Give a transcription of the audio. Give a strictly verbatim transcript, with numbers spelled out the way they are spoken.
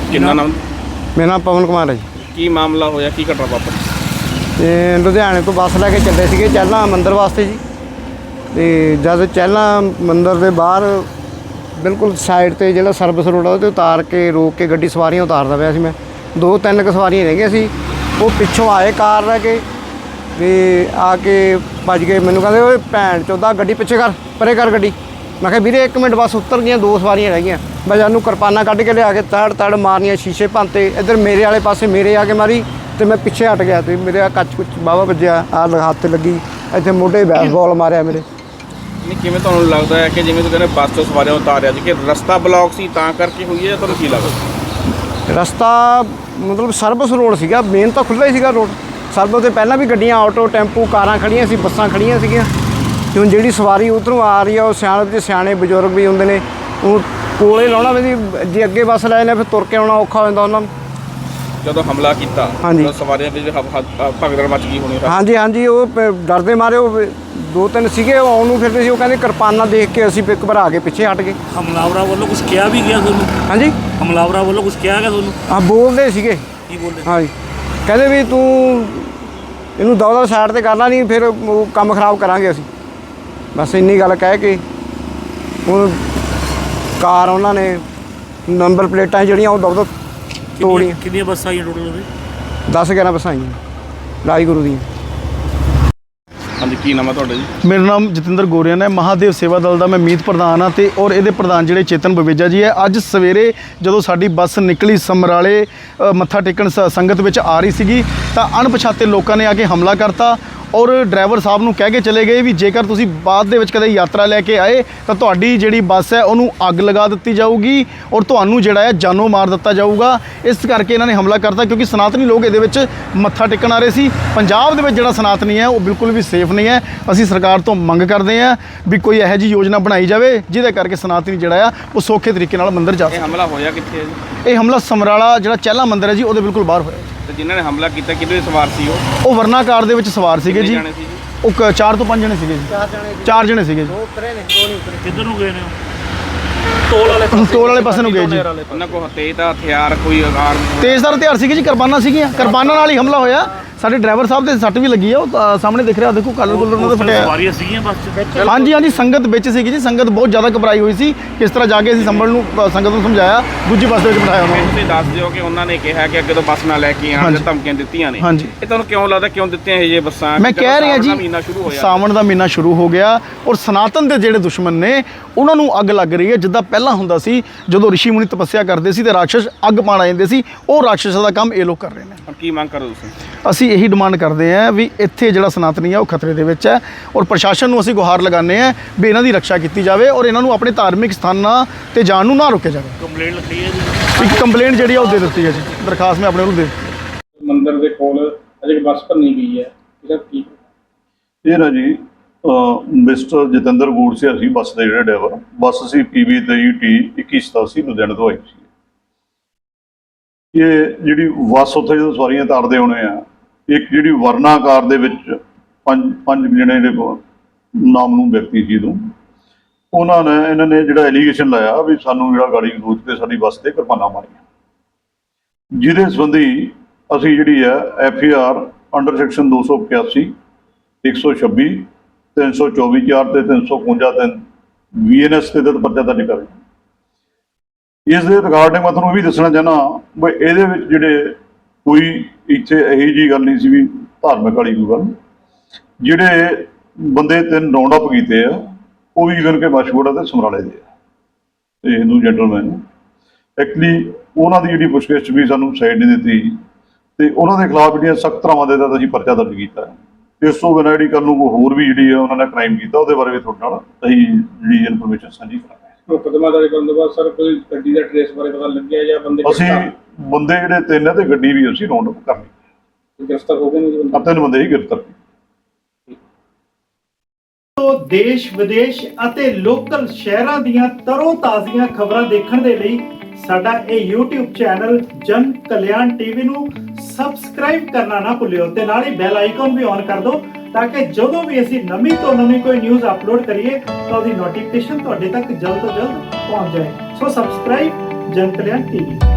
ਕਿੰਨਾ ਨਾਮ? ਮੇਰਾ ਨਾਮ ਪਵਨ ਕੁਮਾਰ ਹੈ ਜੀ। ਕੀ ਮਾਮਲਾ ਹੋਇਆ, ਕੀ ਘਟਨਾ ਵਾਪਰੀ? ਤੇ ਲੁਧਿਆਣੇ ਤੋਂ ਬੱਸ ਲੈ ਕੇ ਚੱਲੇ ਸੀਗੇ ਚਹਿਲਾਂ ਮੰਦਿਰ ਵਾਸਤੇ ਜੀ। ਤੇ ਜਦ ਚਹਿਲਾਂ ਮੰਦਿਰ ਦੇ ਬਾਹਰ ਬਿਲਕੁਲ ਸਾਈਡ ਤੇ ਜਿਹੜਾ ਸਰਵਿਸ ਰੋਡ ਆ ਉਹਦੇ ਉਤਾਰ ਕੇ ਰੋਕ ਕੇ ਗੱਡੀ ਸਵਾਰੀਆਂ ਉਤਾਰਦਾ ਪਿਆ ਸੀ ਮੈਂ। ਦੋ ਤਿੰਨ ਕੁ ਸਵਾਰੀਆਂ ਰਹਿ ਗਈਆਂ ਸੀ। ਉਹ ਪਿੱਛੋਂ ਆਏ ਕਾਰ ਲੈ ਕੇ ਤੇ ਆ ਕੇ ਭੱਜ ਗਏ। ਮੈਨੂੰ ਕਹਿੰਦੇ ਓਏ ਭੈਣ ਚੋਦਾ ਗੱਡੀ ਪਿੱਛੇ ਕਰ, ਪਰੇ ਕਰ ਗੱਡੀ। ਮੈਂ ਕਿਹਾ ਵੀਰੇ ਇੱਕ ਮਿੰਟ ਬਸ ਉਤਰ ਗਈਆਂ, ਦੋ ਸਵਾਰੀਆਂ ਰਹਿ ਗਈਆਂ। ਮੈਂ ਜਾਨੂੰ ਕਿਰਪਾਨਾਂ ਕੱਢ ਕੇ ਲਿਆ ਕੇ ਤੜ ਤੜ ਮਾਰਨੀਆਂ, ਸ਼ੀਸ਼ੇ ਭੰਨਤੇ। ਇੱਧਰ ਮੇਰੇ ਵਾਲੇ ਪਾਸੇ ਮੇਰੇ ਆ ਕੇ ਮਾਰੀ ਤੇ ਮੈਂ ਪਿੱਛੇ ਹਟ ਗਿਆ ਤੇ ਮੇਰੇ ਆ ਕੱਚ ਕੁੱਚ ਬਾਵਾ ਵੱਜਿਆ, ਆਹ ਹੱਥ ਲੱਗੀ, ਇੱਥੇ ਮੋਢੇ ਬੈਸਬਾਲ ਮਾਰਿਆ ਮੇਰੇ। ਨਹੀਂ, ਕਿਵੇਂ ਤੁਹਾਨੂੰ ਲੱਗਦਾ ਹੈ ਕਿ ਜਿਵੇਂ ਤੁਸੀਂ ਕਹਿੰਦੇ ਬੱਸ ਤੋਂ ਸਵਾਰੀਆਂ ਉਤਾਰਿਆ ਸੀ ਕਿ ਰਸਤਾ ਬਲੌਕ ਸੀ ਤਾਂ ਕਰਕੇ ਹੋਈ ਹੈ, ਜਾਂ ਤੁਹਾਨੂੰ ਕੀ ਲੱਗਦਾ? ਰਸਤਾ ਮਤਲਬ ਸਰਵਿਸ ਰੋਡ ਸੀਗਾ, ਮੇਨ ਤਾਂ ਖੁੱਲ੍ਹਾ ਹੀ ਸੀਗਾ ਰੋਡ। ਸਰਵਿਸ ਤੋਂ ਪਹਿਲਾਂ ਵੀ ਗੱਡੀਆਂ, ਆਟੋ, ਟੈਂਪੂ, ਕਾਰਾਂ ਖੜੀਆਂ ਸੀ, ਬੱਸਾਂ ਖੜੀਆਂ ਸੀਗੀਆਂ। ਤੇ ਹੁਣ ਜਿਹੜੀ ਸਵਾਰੀ ਉੱਧਰੋਂ ਆ ਰਹੀ ਆ ਉਹ ਸਿਆਣੇ ਤੇ ਸਿਆਣੇ ਬਜ਼ੁਰਗ ਵੀ ਹੁੰਦੇ ਨੇ, ਉਹ ਕੋਲੇ ਲਾਉਣਾ ਵੀ ਜੇ ਅੱਗੇ ਬੱਸ ਲੈ ਜਾਂਦੇ ਫਿਰ ਤੁਰ ਕੇ ਆਉਣਾ ਔਖਾ ਹੋ ਜਾਂਦਾ ਉਹਨਾਂ ਨੂੰ। ਜਦੋਂ ਹਮਲਾ ਕੀਤਾ ਹਾਂਜੀ, ਸਵਾਰੀਆਂ ਵਿੱਚ ਭਗਦੜ ਮਚ ਗਈ ਹੋਣੀ। ਹਾਂਜੀ ਹਾਂਜੀ, ਉਹ ਡਰਦੇ ਮਾਰੇ ਉਹ ਦੋ ਤਿੰਨ ਸੀਗੇ, ਉਹ ਆਉਣ ਨੂੰ ਫਿਰਦੇ ਸੀ। ਉਹ ਕਹਿੰਦੇ ਕਿਰਪਾਨਾਂ ਦੇਖ ਕੇ ਅਸੀਂ ਇੱਕ ਘਬਰਾ ਕੇ ਪਿੱਛੇ ਹਟ ਗਏ। ਹਮਲਾਵਰਾਂ ਵੱਲੋਂ ਕੁਝ ਕਿਹਾ ਵੀ ਗਿਆ ਤੁਹਾਨੂੰ? ਹਾਂਜੀ, ਹਮਲਾਵਰਾਂ ਵੱਲੋਂ ਕੁਝ ਕਿਹਾ ਗਿਆ ਤੁਹਾਨੂੰ? ਹਾਂ, ਬੋਲਦੇ ਸੀਗੇ। ਕੀ ਬੋਲਦੇ? ਹਾਂਜੀ, ਕਹਿੰਦੇ ਵੀ ਤੂੰ ਇਹਨੂੰ ਦਵਾ ਦਵਾ ਸਾਈਡ 'ਤੇ ਕਰਨਾ ਨਹੀਂ, ਫਿਰ ਉਹ ਕੰਮ ਖਰਾਬ ਕਰਾਂਗੇ ਅਸੀਂ। ਬਸ ਇੰਨੀ ਗੱਲ ਕਹਿ ਕੇ ਹੁਣ ਕਾਰ ਉਹਨਾਂ ਨੇ ਨੰਬਰ ਪਲੇਟਾਂ ਜਿਹੜੀਆਂ ਉਹ ਦਵਾ ਤੋੜੀਆਂ। ਕਿੰਨੀਆਂ ਬੱਸਾਂ ਆਈਆਂ ਟੋਟਲ ਉਹਦੇ? ਦਸ ਗਿਆਰਾਂ ਬੱਸਾਂ ਆਈਆਂ ਰਾਜ ਗੁਰੂ ਦੀਆਂ। ਹਾਂਜੀ, ਕੀ ਨਾਮ ਹੈ ਤੁਹਾਡਾ ਜੀ? ਮੇਰਾ ਨਾਮ ਜਤਿੰਦਰ ਗੋਰੀਆਨ ਹੈ। ਮਹਾਦੇਵ ਸੇਵਾ ਦਲ ਦਾ ਮੈਂ ਮੀਤ ਪ੍ਰਧਾਨ ਹਾਂ ਤੇ ਔਰ ਇਹਦੇ ਪ੍ਰਧਾਨ ਜਿਹੜੇ ਚੇਤਨ ਬਵੇਜਾ ਜੀ ਹੈ। ਅੱਜ ਸਵੇਰੇ ਜਦੋਂ ਸਾਡੀ ਬੱਸ ਨਿਕਲੀ ਸਮਰਾਲੇ ਮੱਥਾ ਟੇਕਣ ਸ ਸੰਗਤ ਵਿੱਚ ਆ ਰਹੀ ਸੀਗੀ ਤਾਂ ਅਣਪਛਾਤੇ ਲੋਕਾਂ ਨੇ ਆ ਕੇ ਹਮਲਾ ਕਰਤਾ ਔਰ ਡਰਾਈਵਰ ਸਾਹਿਬ ਨੂੰ ਕਹਿ ਕੇ ਚਲੇ ਗਏ ਵੀ ਜੇਕਰ ਤੁਸੀਂ ਬਾਅਦ ਦੇ ਵਿੱਚ ਕਦੇ ਯਾਤਰਾ ਲੈ ਕੇ ਆਏ ਤਾਂ ਤੁਹਾਡੀ ਜਿਹੜੀ ਬੱਸ ਹੈ ਉਹਨੂੰ ਅੱਗ ਲਗਾ ਦਿੱਤੀ ਜਾਊਗੀ ਔਰ ਤੁਹਾਨੂੰ ਜਿਹੜਾ ਹੈ ਜਾਨੋਂ ਮਾਰ ਦਿੱਤਾ ਜਾਊਗਾ। ਇਸ ਕਰਕੇ ਇਹਨਾਂ ਨੇ ਹਮਲਾ ਕਰਤਾ ਕਿਉਂਕਿ ਸਨਾਤਨੀ ਲੋਕ ਇਹਦੇ ਵਿੱਚ ਮੱਥਾ ਟੇਕਣ ਆ ਰਹੇ ਸੀ। ਪੰਜਾਬ ਦੇ ਵਿੱਚ ਜਿਹੜਾ ਸਨਾਤਨੀ ਹੈ ਉਹ ਬਿਲਕੁਲ ਵੀ ਸੇਫ ਨਹੀਂ ਹੈ। ਅਸੀਂ ਸਰਕਾਰ ਤੋਂ ਮੰਗ ਕਰਦੇ ਹਾਂ ਵੀ ਕੋਈ ਇਹੋ ਜਿਹੀ ਯੋਜਨਾ ਬਣਾਈ ਜਾਵੇ ਜਿਹਦੇ ਕਰਕੇ ਸਨਾਤਨੀ ਜਿਹੜਾ ਆ ਉਹ ਸੌਖੇ ਤਰੀਕੇ ਨਾਲ ਮੰਦਿਰ ਜਾ ਸਕੇ। ਇਹ ਹਮਲਾ ਹੋਇਆ ਕਿੱਥੇ ਹੈ ਜੀ? ਇਹ ਹਮਲਾ ਸਮਰਾਲਾ ਜਿਹੜਾ ਚਹਿਲਾ ਮੰਦਿਰ ਹੈ ਜੀ ਉਹਦੇ ਬਿਲਕੁਲ ਬਾਹਰ ਹੋਇਆ। ਤੇ ਜਿਨ੍ਹਾਂ ਨੇ ਹਮਲਾ ਕੀਤਾ ਕਿਹਦੇ ਸਵਾਰ ਸੀ ਉਹ? ਉਹ ਵਰਨਾ ਕਾਰ ਦੇ ਵਿੱਚ ਸਵਾਰ ਸੀਗੇ ਜੀ। ਜਾਣੇ ਸੀ ਜੀ? ਉਹ ਕ- ਚਾਰ ਤੋਂ ਪੰਜ ਜਣੇ ਸੀਗੇ ਜੀ। ਚਾਰ ਜਣੇ ਚਾਰ ਜਣੇ ਸੀਗੇ ਜੀ। ਦੋ ਉਤਰੇ ਨੇ, ਦੋ ਨਹੀਂ ਉਤਰੇ। ਕਿੱਧਰ ਨੂੰ ਗਏ ਨੇ ਉਹ? ਟੋਲ ਵਾਲੇ ਟੋਲ ਵਾਲੇ ਪਾਸੇ ਨੂੰ ਗਏ ਜੀ। ਉਹਨਾਂ ਕੋਲ ਤੇਜ਼ ਦਾ ਹਥਿਆਰ ਕੋਈ ਆਰ ਤੇਜ਼ਦਾਰ ਹਥਿਆਰ ਸੀਗੇ ਜੀ, ਕਿਰਪਾਨਾਂ ਸੀਗੀਆਂ। ਕਿਰਪਾਨਾਂ ਨਾਲ ਹੀ ਹਮਲਾ ਹੋਇਆ। ਸਾਡੇ ਡਰਾਈਵਰ ਸਾਹਿਬ ਦੇ ਸੱਟ ਵੀ ਲੱਗੀ ਆ, ਉਹ ਅ, ਸਾਹਮਣੇ ਦਿਖ ਰਿਹਾ, ਦੇਖੋ ਕਲਰ ਕੁਲਰ ਉਹਨਾਂ ਦਾ ਫਟਿਆ। ਸਵਾਰੀਆਂ ਸੀਗੀਆਂ ਬੱਸ 'ਚ? ਹਾਂਜੀ ਹਾਂਜੀ, ਸੰਗਤ ਵਿੱਚ ਸੀਗੀ ਜੀ। ਸੰਗਤ ਬਹੁਤ ਜ਼ਿਆਦਾ ਘਬਰਾਈ ਹੋਈ ਸੀ। ਕਿਸ ਤਰ੍ਹਾਂ ਜਾ ਕੇ ਅਸੀਂ ਸੰਭਲ ਨੂੰ ਅ, ਸੰਗਤ ਨੂੰ ਸਮਝਾਇਆ, ਦੂਜੀ ਬੱਸ ਦੇ ਵਿੱਚ ਬਿਠਾਇਆ ਉਹਨਾਂ ਨੂੰ। ਤੁਸੀਂ ਦੱਸ ਦਿਓ ਕਿ ਉਹਨਾਂ ਨੇ ਕਿਹਾ ਕਿ ਅੱਗੇ ਤੋਂ ਬੱਸ ਨਾ ਲੈ ਕੇ ਆਉਣ, ਧਮਕੀਆਂ ਦਿੱਤੀਆਂ ਨੇ। ਹਾਂਜੀ, ਇਹ ਤੁਹਾਨੂੰ ਕਿਉਂ ਲੱਗਦਾ ਕਿਉਂ ਦਿੱਤੀਆਂ ਇਹ ਜੇ ਬੱਸਾਂ? ਮੈਂ ਕਹਿ ਰਿਹਾ ਜੀ, ਮਹੀਨਾ ਸ਼ੁਰੂ ਹੋਇਆ, ਸਾਵਣ ਦਾ ਮਹੀਨਾ ਸ਼ੁਰੂ ਹੋ ਗਿਆ ਔਰ ਸਨਾਤਨ ਦੇ ਜਿਹੜੇ ਦੁਸ਼ਮਣ ਨੇ ਉਹਨਾਂ ਨੂੰ ਅੱਗ ਲੱਗ ਰਹੀ ਹੈ। ਜਿੱਦਾਂ ਪਹਿਲਾਂ ਹੁੰਦਾ ਸੀ ਜਦੋਂ ਰਿਸ਼ੀ ਮੁਨੀ ਤਪੱਸਿਆ ਕਰਦੇ ਸੀ ਤੇ ਰਾਖਸ਼ ਅੱਗ ਪਾਣ ਆ ਜਾਂਦੇ ਸੀ, ਉਹ ਰਾਖਸ਼ਾਂ ਦਾ ਕੰਮ ਇਹ ਲੋਕ ਕਰ ਰਹੇ ਨੇ। ਹੁਣ ਕੀ ਮੰਗ ਕਰੋ ਤੁਸੀਂ? ਅਸੀਂ ਇਹੀ ਡਿਮਾਂਡ ਕਰਦੇ ਹਾਂ ਵੀ ਇੱਥੇ ਜਿਹੜਾ ਸਨਾਤਨੀ ਆ ਉਹ ਖਤਰੇ ਦੇ ਵਿੱਚ ਹੈ ਔਰ ਪ੍ਰਸ਼ਾਸਨ ਨੂੰ ਅਸੀਂ ਗੁਹਾਰ ਲਗਾਉਂਦੇ ਹਾਂ ਵੀ ਇਹਨਾਂ ਦੀ ਰੱਖਿਆ ਕੀਤੀ ਜਾਵੇ ਔਰ ਇਹਨਾਂ ਨੂੰ ਆਪਣੇ ਧਾਰਮਿਕ ਸਥਾਨਾਂ ਤੇ ਜਾਣ ਨੂੰ ਨਾ ਰੋਕਿਆ ਜਾਵੇ। ਕੰਪਲੇਂਟ ਲਿਖੀ ਹੈ ਜੀ? ਇੱਕ ਕੰਪਲੇਂਟ ਜਿਹੜੀ ਆ ਉਹ ਦੇ ਦਿੱਤੀ ਹੈ ਜੀ, ਦਰਖਾਸਤ ਮੈਂ ਆਪਣੇ ਵੱਲੋਂ ਦੇ ਦਿੱਤੀ। ਮੰਦਿਰ ਦੇ ਕੋਲ ਅਜੇ ਬੱਸ ਭੰਨੀ ਗਈ ਹੈ, ਇਹਦਾ ਕੀ? ਇਹ ਨਾ ਜੀ ਮਿਸਟਰ ਜਤਿੰਦਰ ਗੋੜਸਿਆ ਸੀ ਬੱਸ ਦੇ ਜਿਹੜੇ ਡਰਾਈਵਰ। ਬੱਸ ਸੀ ਪੀ ਵੀ ਤੇਈ ਟੀ ਇੱਕੀ ਸਤਾਸੀ ਲੁਧਿਆਣੇ ਤੋਂ ਆਈ ਸੀ। ਇਹ ਜਿਹੜੀ ਬੱਸ ਉੱਥੇ ਜਦੋਂ ਸਵਾਰੀਆਂ ਤਾਰਦੇ ਹੋਣੇ ਆ, ਇੱਕ ਜਿਹੜੀ ਵਰਨਾ ਕਾਰ ਦੇ ਵਿੱਚ ਪੰਜ ਪੰਜ ਜਣੇ ਜਿਹੜੇ ਨਾਮ ਨੂੰ ਵਿਅਕਤੀ ਸੀ ਤੋਂ ਉਹਨਾਂ ਨੇ ਇਹਨਾਂ ਨੇ ਜਿਹੜਾ ਐਲੀਗੇਸ਼ਨ ਲਾਇਆ ਵੀ ਸਾਨੂੰ ਜਿਹੜਾ ਗਾੜੀ ਗਲੋਚ ਤੇ ਸਾਡੀ ਬੱਸ ਤੇ ਕਿਰਪਾਨਾਂ ਮਾਰੀਆਂ, ਜਿਹਦੇ ਸੰਬੰਧੀ ਅਸੀਂ ਜਿਹੜੀ ਹੈ F E R under section ਦੋ ਸੌ ਇਕਿਆਸੀ ਇੱਕ ਸੌ ਛੱਬੀ ਤਿੰਨ ਸੌ ਚੌਵੀ ਚਾਰ ਤੇ ਤਿੰਨ ਸੌ ਇਕਵੰਜਾ ਤਿੰਨ ਵੀ ਐਨ ਐਸ ਦੇ ਤਹਿਤ ਪਰਚਾ ਦਰਜ ਕਰ ਰਹੇ। ਇਸ ਦੇ ਰਿਗਾਰਡਿੰਗ ਮੈਂ ਤੁਹਾਨੂੰ ਇਹ ਵੀ ਦੱਸਣਾ ਚਾਹੁੰਦਾ ਵੀ ਇਹਦੇ ਵਿੱਚ ਜਿਹੜੇ ਕੋਈ ਇੱਥੇ ਇਹੋ ਜਿਹੀ ਗੱਲ ਨਹੀਂ ਸੀ ਵੀ ਧਾਰਮਿਕ ਵਾਲੀ ਕੋਈ ਗੱਲ। ਜਿਹੜੇ ਬੰਦੇ ਤਿੰਨ ਰਾਉਂਡ ਅਪ ਕੀਤੇ ਆ ਉਹ ਵੀ ਇਵਨ ਕਿ ਮਸ਼ਹੂਰ ਤੇ ਸਮਰਾਲੇ ਦੇ ਆ ਤੇ ਹਿੰਦੂ ਜੈਂਟਲਮੈਨ। ਐਕਚੁਅਲੀ ਉਹਨਾਂ ਦੀ ਜਿਹੜੀ ਪੁੱਛਗਿੱਛ ਵੀ ਸਾਨੂੰ ਸਾਈਡ ਨਹੀਂ ਦਿੱਤੀ ਤੇ ਉਹਨਾਂ ਦੇ ਖਿਲਾਫ ਜਿਹੜੀਆਂ ਸਖਤ ਧਾਰਾਵਾਂ ਦੇ ਤਹਿਤ ਅਸੀਂ ਪਰਚਾ ਦਰਜ ਕੀਤਾ। ਇਸ ਤੋਂ ਬਿਨਾਂ ਜਿਹੜੀ ਕੱਲ੍ਹ ਨੂੰ ਕੋਈ ਹੋਰ ਵੀ ਜਿਹੜੀ ਆ ਉਹਨਾਂ ਨੇ ਕ੍ਰਾਈਮ ਕੀਤਾ ਉਹਦੇ ਬਾਰੇ ਵੀ ਤੁਹਾਡੇ ਨਾਲ ਅਸੀਂ ਜਿਹੜੀ ਇਨਫੋਰਮੇਸ਼ਨ ਸਾਂਝੀ ਕਰਾਂਗੇ। ਮੁਕੱਦਮਾ ਦਰਜ ਕਰਨ ਤੋਂ ਬਾਅਦ ਸਰ ਕੋਈ ਗੱਡੀ ਦਾ ਟ੍ਰੇਸ ਬਾਰੇ ਪਤਾ ਲੱਗਿਆ ਜਾਂ ਬੰਦੇ ਅਸੀਂ ਬੰਦੇ ਜਿਹੜੇ ਤਿੰਨ ਆ ਤੇ ਗੱਡੀ ਵੀ ਅਸੀਂ ਰਾਉਂਡ ਅਪ ਕਰ ਲਈ। ਗ੍ਰਿਫਤਾਰ ਹੋ ਗਏ ਨੇ? ਆ ਤਿੰਨ ਬੰਦੇ ਹੀ ਗ੍ਰਿਫਤਾਰ ਕੀਤੇ। ਦੇਸ਼ ਵਿਦੇਸ਼ ਅਤੇ ਲੋਕਲ ਸ਼ਹਿਰਾਂ ਦੀਆਂ ਤਰੋ ਤਾਜ਼ੀਆਂ ਖਬਰਾਂ ਦੇਖਣ ਦੇ ਲਈ ਸਾਡਾ ਇਹ YouTube ਚੈਨਲ ਜਨ ਕਲਿਆਣ ਟੀਵੀ ਨੂੰ ਸਬਸਕ੍ਰਾਈਬ ਕਰਨਾ ਨਾ ਭੁੱਲਿਓ ਤੇ ਨਾਲ ਹੀ ਬੈਲ ਆਈਕਨ ਵੀ ਔਨ ਕਰ ਦਿਓ ਤਾਂ ਕਿ ਜਦੋਂ ਵੀ ਅਸੀਂ ਨਵੀਂ ਤੋਂ ਨਵੀਂ ਕੋਈ ਨਿਊਜ਼ ਅਪਲੋਡ ਕਰੀਏ ਤਾਂ ਉਹਦੀ ਨੋਟੀਫਿਕੇਸ਼ਨ ਤੁਹਾਡੇ ਤੱਕ ਜਲਦ ਤੋਂ ਜਲਦ ਪਹੁੰਚ ਜਾਏ। ਸੋ ਸਬਸਕ੍ਰਾਈਬ ਜਨ ਕਲਿਆਣ ਟੀਵੀ।